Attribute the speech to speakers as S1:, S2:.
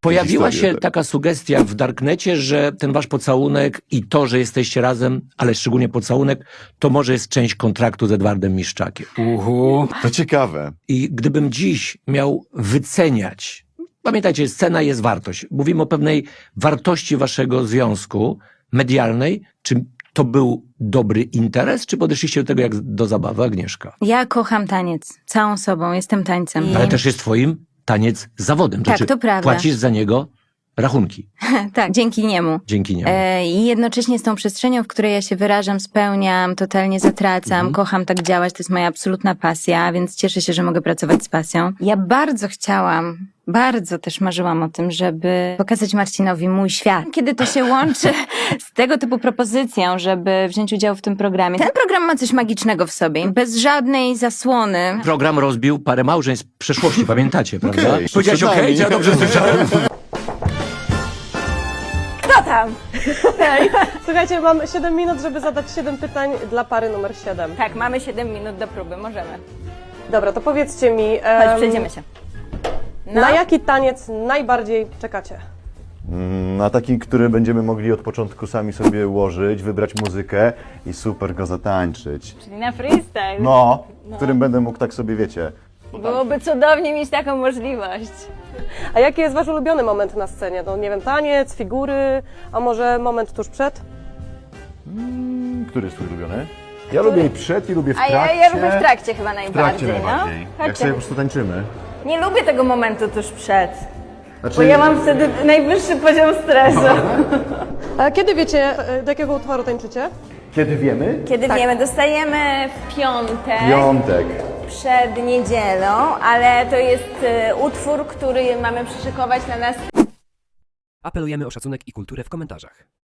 S1: Pojawiła
S2: historię,
S1: się
S2: tak.
S1: taka sugestia w Darknecie, że ten wasz pocałunek i to, że jesteście razem, ale szczególnie pocałunek, to może jest część kontraktu z Edwardem Miszczakiem.
S2: To ciekawe.
S1: I gdybym dziś miał wyceniać, pamiętajcie, scena jest wartość. Mówimy o pewnej wartości waszego związku medialnej. Czy to był dobry interes, czy podeszliście do tego jak do zabawy, Agnieszka?
S3: Ja kocham taniec. Całą sobą. Jestem tańcem.
S1: Ale też jest twoim taniec zawodem.
S3: Tak,
S1: znaczy,
S3: to prawda.
S1: płacisz za niego rachunki
S3: Tak, dzięki niemu.
S1: dzięki niemu.
S3: I jednocześnie z tą przestrzenią, w której ja się wyrażam, spełniam, totalnie zatracam, kocham tak działać, to jest moja absolutna pasja, więc cieszę się, że mogę pracować z pasją. Ja bardzo chciałam, bardzo też marzyłam o tym, żeby pokazać Marcinowi mój świat. Kiedy to się łączy z tego typu propozycją, żeby wziąć udział w tym programie. Ten program ma coś magicznego w sobie, bez żadnej zasłony.
S1: Program rozbił parę małżeństw w przeszłości, pamiętacie, prawda?
S2: Okej,
S1: Powiedziałeś
S2: przed nami.
S1: okej, ja dobrze słyszałem.
S3: Kto tam?
S4: Słuchajcie, mam 7 minut, żeby zadać 7 pytań dla pary numer 7.
S3: Tak, mamy 7 minut do próby, możemy.
S4: Dobra, to powiedzcie mi,
S3: Chodź, przejdziemy się.
S4: na jaki taniec najbardziej czekacie?
S2: Na taki, który będziemy mogli od początku sami sobie ułożyć, wybrać muzykę i super go zatańczyć.
S3: Czyli na freestyle.
S2: No, w którym będę mógł tak sobie, wiecie.
S3: Byłoby cudownie mieć taką możliwość.
S4: A jaki jest wasz ulubiony moment na scenie? No nie wiem, taniec, figury, a może moment tuż przed?
S2: Który jest twój ulubiony? Ja lubię i przed, i lubię w
S3: A
S2: trakcie.
S3: ja lubię w trakcie chyba
S2: W trakcie
S3: najbardziej,
S2: najbardziej.
S3: no.
S2: Jak sobie po prostu tańczymy.
S3: Nie lubię tego momentu tuż przed,
S2: Znaczy,
S3: bo ja mam wtedy najwyższy poziom stresu.
S4: A kiedy wiecie, do jakiego utworu tańczycie?
S2: Kiedy wiemy?
S3: Kiedy wiemy, dostajemy w piątek
S2: Piątek.
S3: przed niedzielą, ale to jest utwór, który mamy przyszykować na nas.
S5: Apelujemy o szacunek i kulturę w komentarzach.